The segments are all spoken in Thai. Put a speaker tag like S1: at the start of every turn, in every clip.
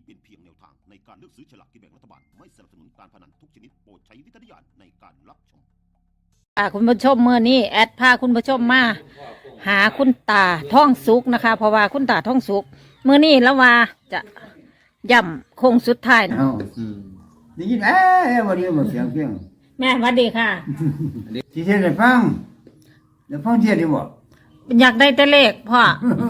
S1: เป็นเพียงแนวทางในการเลือกซื้อฉลากกินแบ่งรัฐบาลไม่สนับสนุนการพนันทุกชนิดโปรดใช้วิจารณญาณในการรับชม
S2: คุณผู้ชมเมื่อนี้แอดพาคุณผู้ชมมาหาคุณตาท่องสุกนะคะ เพราะว่าคุณตาท่องสุกเมื่อนี้แล้วว่าจะย่ำโค้งสุดท้ายนะ
S3: ได้ยินวันนี้มาเสียงเพียง
S2: แม่สวัสดีค่ะ
S3: ที่เทศได้ฟังเทศดีบ่
S2: อยากได้แต่เลขพ่อ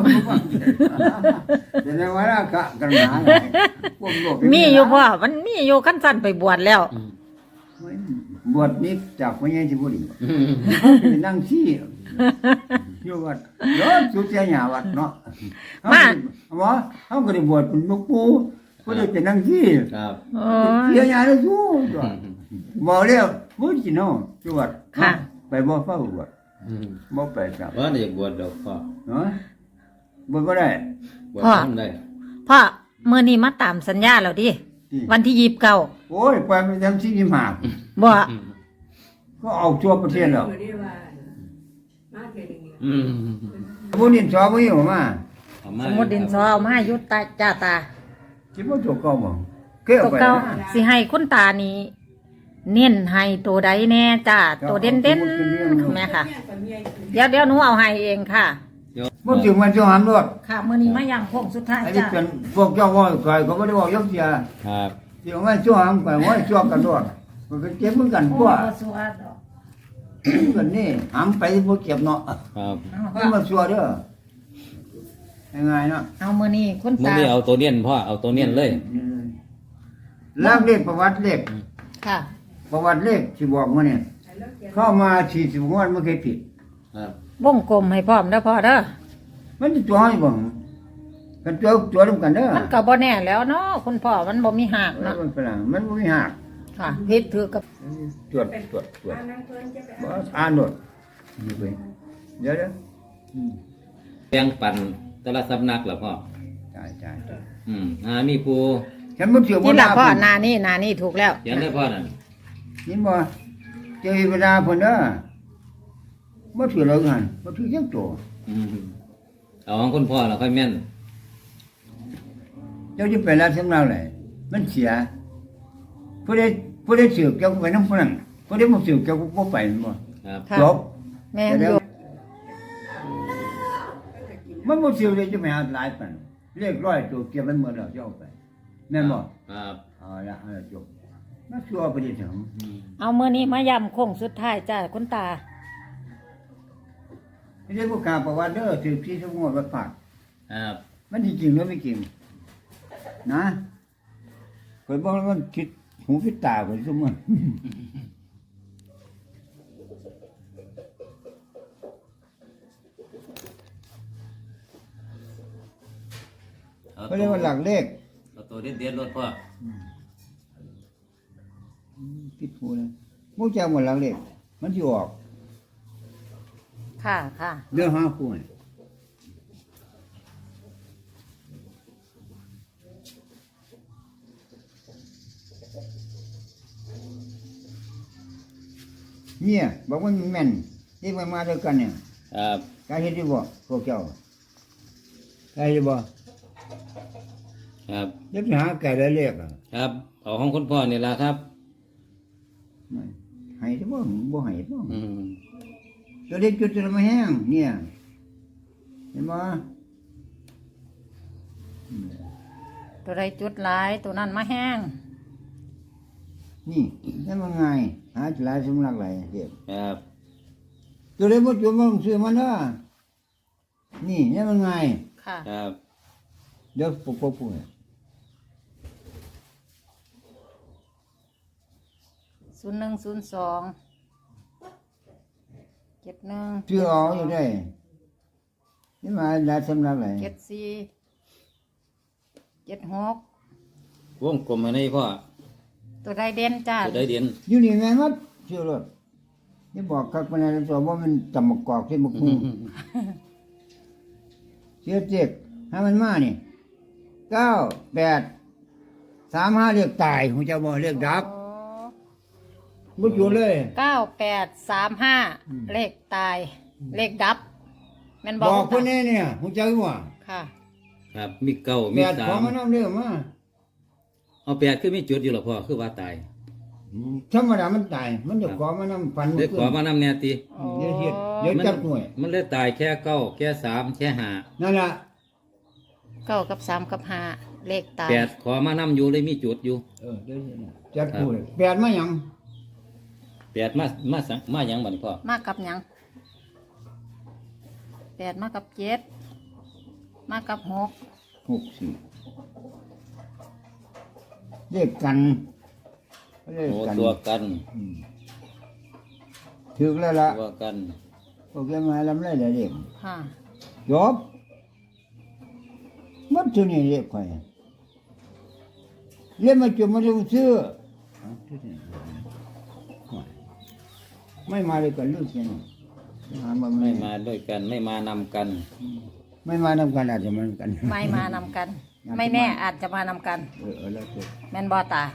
S3: แต่ในวันละกันหนา
S2: มีอยู่พ่อมันมีอยู่ขั้นสั้นไปบวชแล้ว
S3: บวชนี้จากพระยาสิบุรีนั่งชี้อยู่วัดรถสุดเสียหยาวัดเนาะมาหมอเขาก็ได้บวชเป็นลูกปู่ก็ได้เป็นนั่งชี้ครับเสียหยาได้สู้บอกแล้วมุดจีโน่จังหวัดไปบ่เฝ้าบวชบ่ไปครับ
S4: ว่าได้บวชดอกพ่อ
S3: เนาะบวชบ่ได้
S4: บวชทำได้
S2: พ่อเมื่อนี้มาตามสัญญาแล้วดิวันที่29
S3: โอ้ยไปทำสิ่งที่หมาก
S2: บ่
S3: ก็เอาทั่วประเทศแล้วสมุดดินสอบ่อยู่มา
S2: สมุดดินสอเอามายุตาจ้าตา
S3: คิดว่าตัวเก่าบ่เกี่ยวไป
S2: ตัวเก่าสิให้คุณตานี่เน้นให้ตัวใดแน่จ้าตัวเด่นๆแม่ค่ะเดี๋ยวหนูเอาให้เองค่ะ
S3: บ่ถึงวันจะหามรถ
S2: ค่ะมื้อนี้มาย่างโค้งสุดท้าย
S3: อันนี้
S2: จ้า
S3: เป็นพวกเจ้าว่าก่อยก็บ่ได้บอกยกเสีย
S4: ครับ
S3: ที่ว่าชั่วหามก่อยว่าชั่วกันรถมันก็เจ็บเหมือนกันกว่ากันนี่หามไปบ่เจ็บเนาะ
S4: ครับ
S3: มันมาชั่วเด้อยังไงเนาะ
S2: เอามื้อนี้คุณตา
S4: มื้อนี้เอาตัวเนียนพ่อเอาตัวเนียนเลย
S3: ลากเลขประวัติเลข
S2: ค่ะ
S3: ประวัติเลขที่บอกมาเนี่ยเข้ามา40งวดไม่เคยผิด
S4: ครับ
S2: วงกลมให้พร้อมเด้อพ่อเด้อ
S3: มันจะตัวให้บ่กันตัวร่วมกันเด้อ
S2: มันก็บ่แน่แล้วเนาะคุณพ่อมันบ่มีหักเนาะ
S3: มันบ่มีหัก
S2: ค่ะผิดถือกับ
S3: ตรวจบ่อ่านโดดเดี๋ยว
S4: แบ่งปันแต่ละสำนักล่ะพ่อ
S3: ใช่
S4: มีผู้
S3: ฉันบ่ถือบ่
S2: นี่ล่ะพ่อหน้านี่ถูกแล้ว
S4: เขียนได้พ่อนั่น
S3: นี่บ่เจ้าเวลาเพิ่นเด้อบ่ถือแล้วกันบ่ถือจังตัว
S4: เอาของคุณพ่อแล้วค่อยแม่น
S3: เจ้าจะไปรับสำนักไหนมันเสียผู้ใดสืบเจ้าก็ไปนำผู้นั้นผู้ใดบ่สืบเจ้าก็บ่ไปบ่
S4: ครับ
S3: จบ
S2: แม่นอยู่
S3: มันบ่สืบเลยจะไปหาหลายปานเลข100ตัวเก็บไว้หมดแล้วเจ้าไปแม่นบ่
S4: ครับ
S3: เอาละจบมาชัวไปดิถึง
S2: เอามื้อนี้มาย้ำโค้งสุดท้ายจ้าคุณตา
S3: ไม่ใช่พวกกาประวัติเด้อถือที่สมงวดวัดฝาก
S4: ครับ
S3: มันจริงหรือไม่จริงนะเคยบอกว่ามันคิดหูคิดตาไปสมมติเขาเรียกว่าหลักเลข
S4: ตัวเด็ดรถพ่อ
S3: คิดหูเลยมุกแจหมดหลักเลขมันที่ออก
S2: ค่ะ
S3: เรื่องห้าคู่เนี่ยบอกว่ามันแม่นที่มันมาด้วยกันเนี่ย
S4: ครับ
S3: กายเห็นดีบ่พวกเจ้ากายเห็นบ่
S4: ครับ
S3: จะไปหาไก่ได้เรียก
S4: ครับเอาของคุณพ่อนี่ล่ะครับ
S3: ให้ที่บ่ให้บ่ตัวเล็กจุดจะไม่แห้งเนี่ยเห็นไหม
S2: ตัวใดจุดหลายตัวนั้นมาแห้ง
S3: นี่นั่นมันไงหาหลายสำนักหลายเด็ก
S4: ครับ
S3: ตัวเล็กบ่จุดมันซื้อมันนะนี่นั่นมันไง
S2: ค่ะ
S4: ครับ
S3: เดี๋ยวปุ๊บ
S2: 010271
S3: ชื่ออ๋ออยู่ได้นี่มาหลายสำนักหลาย
S2: 7476
S4: วงกลมให้พ่อ
S2: ตัวใดเด่นจ้า
S4: ตัวใดเด่น
S3: อยู่นี่แม่นมัดชื่อรถนี่บอกกักปานนั้นตัวว่ามันตำมะกอกที่มักฮู้เสียเจ็กให้มันมานี่9835เรียกตายฮู้จักบ่เรียกดับบ่อยู่เลย
S2: 9835เลขตายเลขดับแม่น
S3: บอกคนนี้เนี่ยฮู้จักบ่
S2: ค่ะ
S4: ครับมีเก้ามี3
S3: ของมันนำเด้อมา
S4: เอาแปดคือมีจุดอยู่หรอพ่อคือว่าตาย
S3: ธรรมดามันตายมันจะขอมานำฟัน
S4: ได้ขอมานำแนวตี
S3: เดี๋ยวเฮ็ดเดี๋ยวจับหน่วย
S4: มันเลยตายแค่เก้าแค่สามแค่ห้า
S3: นั่นล่ะ
S2: เก้ากับสามกับห้าเลขตาย
S4: แปดขอมานำอยู่เลยมีจุดอยู่
S3: เดี๋ยวจับผู้เลยแปดมาหยัง
S4: แปดมาหยังบัดนี้พ่อ
S2: มากกับหยังแปดมากกับเจ็ดมากกับหก
S3: 64เลขกันเลข
S4: โอ้
S3: กัน
S4: ตัวกัน
S3: ถึกแล้วล่ะ
S4: ตัวกัน
S3: โอเคมาลำไรเลยเด็ก
S2: ค่ะ
S3: จบมันตัวนี้เรียกใครเรียกมาจุดมาดูซื้อไม่มาเลยกันลูกเสียนี่หามา
S4: ไม่มาด้วยกันไม่มานำกัน
S3: ไม่มานำกันอาจจะมันกัน
S2: ไม่มานำกัน ไม่แน่อาจจะมานำกัน
S3: แล้วจบ
S2: แม่นบอตา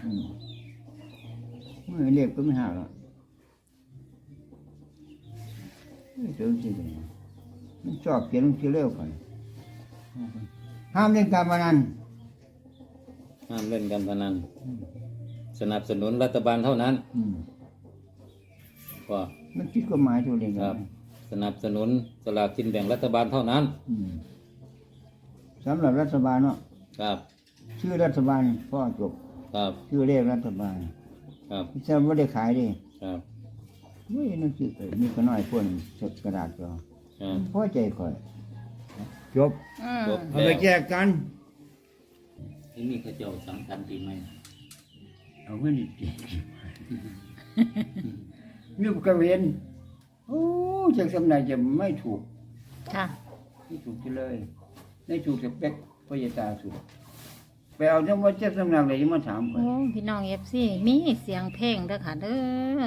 S3: ไม่เรียกก็ไม่หาหรอกเดี๋ยวสิมันชอบเขียนหนังสือเร็วกันห้ามเล่นการพนัน
S4: ห้ามเล่นการพนันสนับสนุนรัฐบาลเท่านั้นพ่อ
S3: มันคิดกฎหมายตัวเอง
S4: ครับ สนับสนุนสลากกินแบ่งรัฐบาลเท่านั้น
S3: สำหรับรัฐบาลเนาะ
S4: ครับ
S3: ชื่อรัฐบาลพ่อจบ
S4: ครับ
S3: ชื่อเลขรัฐบาล
S4: ครับ
S3: ไม่ใช่ว่าได้ขายดิ
S4: ครับ
S3: ไม่นั่นสิมีก็น้อยคนจดกระดาษก็
S4: ครับ
S3: พอใจค่อยจบ
S4: จบ
S3: เอาไปแจกกัน
S4: ที่นี่เขาเจ้าสำคัญปีใหม่
S3: เอาเงินอีกทีมีกระเวนโอ้จากสำนักจะไม่ถูก
S2: ค่ะ
S3: ไม่ถูกเลยไม่ถูกสเปคพยาตาสุดไปเอาจังว่าเจ้าสำนักเลยจะมาถามไป
S2: โอ้พี่น้องเอฟซีมีเสียงเพลงเด้อค่ะเด้อ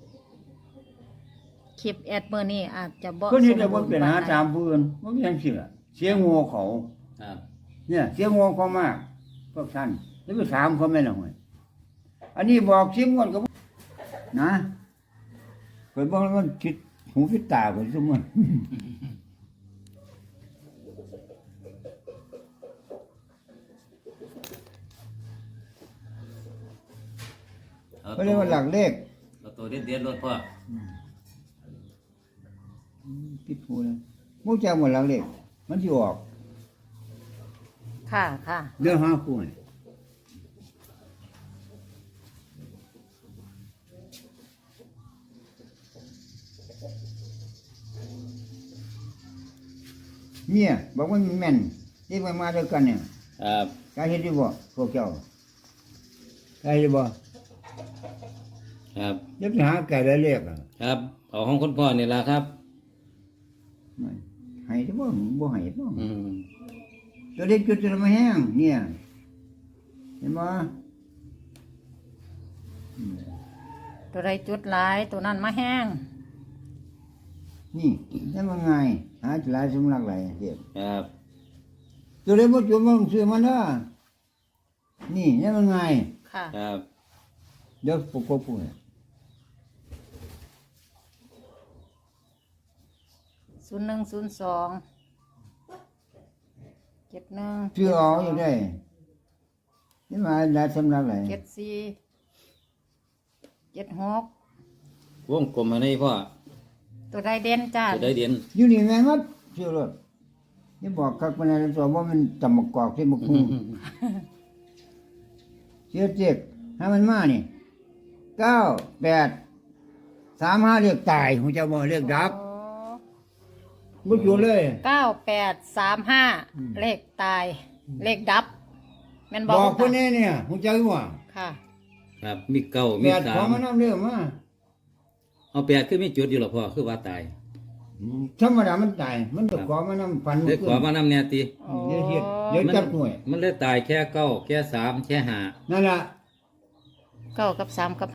S2: คลิปแอดเบอร์นี้อาจจะบ่
S3: คนนี้จะว่า
S2: สมบูรณ์
S3: เป็นหาตามเพื่อนว่าไม่ยังเชื่อเสียงงัวเขา
S4: ครับ
S3: เนี่ยเสียงงัวเขามากพวกท่านแล้วไปถามเขาไม่หน่อยอันนี้บอกเสียงงัวก็นะเคยบอกแล้วมันคิดหูคิดตาคนสมมติเขาเรียกว่าหลักเลข
S4: เราตัวเด็ดๆรถพ่อ
S3: คิดหูเลยมู้จักหมดหลักเลขมันที่ออก
S2: ค่ะค่ะ
S3: เรื่องหาคู่นี่เมียบอกว่ามันแม่นที่มาด้วยกันเนี่ย
S4: ครับ
S3: กายเห็นดีบ่พวกเจ้ากายเห็นบ่
S4: ครับ
S3: ยักหาไก่ได้เรียกอ่ะ
S4: ครับเอาของคุณพ่อนี่ละครับ
S3: ไม่ให้ที่บ่บ่ให้บ่
S4: อืม
S3: ตัวเล็กจุดจะมาแห้งเนี่ยเห็นบ่
S2: ตัวใดจุดหลายตัวนั้นมาแห้ง
S3: นี่นั่นมันไงหาหลายสำลักหลายเด็ก
S4: ครับ
S3: ตัวเล็กบ่จุดมันซื้อมันเด้อนี่นั่นมันไง
S2: ค่ะ
S4: ครับ
S3: เดี๋ยวปุ๊บปุ๊บปุ๊บ
S2: 0102 71
S3: ซื้อเอาอยู่ได้นี่มาหลายสำลักหลาย
S2: 74 76
S4: วงกลมให้พ่อ
S2: ตัวใดเด่นจ้า
S4: จะได้เด่น
S3: อยู่นี่แม่นมัดซื้อรถนี่บอกคักปานนั้นตัวว่ามันตำบักกอกที่บักฮู้เสียเจ็กให้มันมานี่9835เรียกตายฮู้เจ้าบ่เรียกดับบ่อยู่เลย
S2: 9835 เลขตาย เลขดับแม่น
S3: บบ อ
S2: อก ก
S3: คนนี้เนี่ยฮู้จักอยู่ว่า
S2: ค่ะ
S4: ครับมีเก้ามี
S3: แปด
S4: สา
S3: ของ
S4: ม
S3: มันนำเด้อมา
S4: เอาแปดคือมีจุดอยู่หรอพ่อคือว่าตาย
S3: ธรรมดามันตายมันจะขอมานำฟัน
S4: ได้ขอมานำแนวตี
S3: เดี๋ยวเฮ็ดเดี๋ยวจับหน่วย
S4: มันเลยตายแค่เก้าแค่สามแค่ห้า
S3: นั่นล่ะ
S2: 9กับ3กับ